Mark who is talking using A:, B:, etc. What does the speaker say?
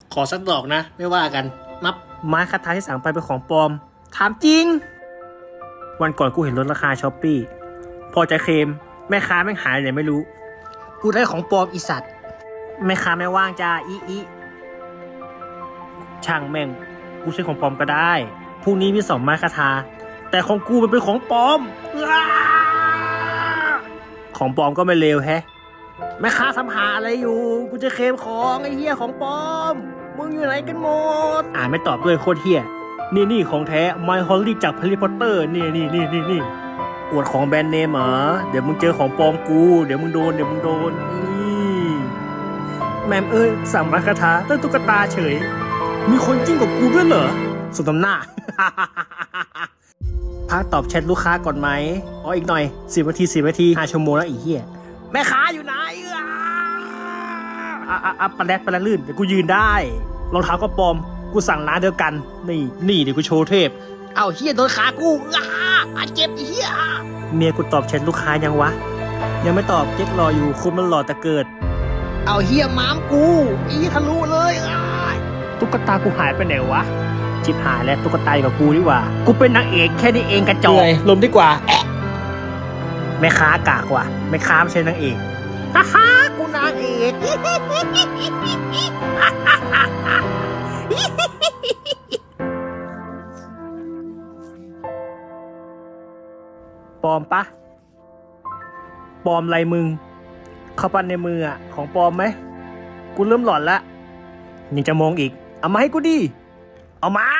A: ขอสักดอกนะไม่ว่ากันนับ
B: ไม้คาถาที่สั่งไปเป็นของปลอมถามจริงวันก่อนกูเห็นลดราคาช้อปปี้พอจะเคลมแม่ค้าแม่งหายไหนไม่รู้
A: กูได้ของปลอมอีสัตว์
B: แม่ค้าไม่ว่างจ้าอีช่างแม่งกูใช้ของปลอมก็ได้พรุ่งนี้มี2ไม้คาถาแต่ของกูมันเป็นของปลอมของปลอมก็ไม่เลวแฮะแม่ค้าทำหาอะไรอยู่กูจะเคลมของไอ้เหี้ยของปลอมมึงอยู่ไหนกันหมดไม่ตอบด้วยโคตรเหี้ยนี่ของแท้ไมค์ฮอลลี่จากแฮร์รี่พอตเตอร์นี่อวดของแบรนด์เนมเหรอเดี๋ยวมึงเจอของปลอมกูเดี๋ยวมึงโดนนี่แมมสั่งมาคาถาได้ตุ๊กตาเฉยมีคนจริงกับกูด้วยเหรอสมน้ำหน้า พักตอบแชทลูกค้าก่อนไหมอีกหน่อย10 นาที5 ชั่วโมงแล้วอีเหี้ยแม่ค้าอยู่ไหนปลาแรดลื่นเดี๋ยวกูยืนได้รองเท้าก็ปลอมกูสั่งร้านเดียวกันนี่เดี๋ยวกูโชว์เทพ
A: เอาเฮียโดนขากูเจ็บเฮีย
B: เมียกูตอบแชทลูกค้ายังวะยังไม่ตอบเจ๊กรออยู่คุณมันหล่อแต่เกิด
A: เอาเฮียม้ามกูอีทะลุเลย
B: ตุ๊กตากูหายไปไหนวะชิบหายแล้วตุ๊กตาอยู่กับกูดีกว่ากูเป็นนางเอกแค่นี้เองกระจอก
A: ลมดีกว่า
B: แม่ค้ากากว่ะแม่ค้าไม่ใช่นางเอก
A: ฮ่ากูนางเอก
B: ปลอมปะปลอมอะไรมึงเข้าปั้นในมือของปลอมไหมกูเริ่มหลอนละยังจะมองอีกเอามาให้กูดิเอามา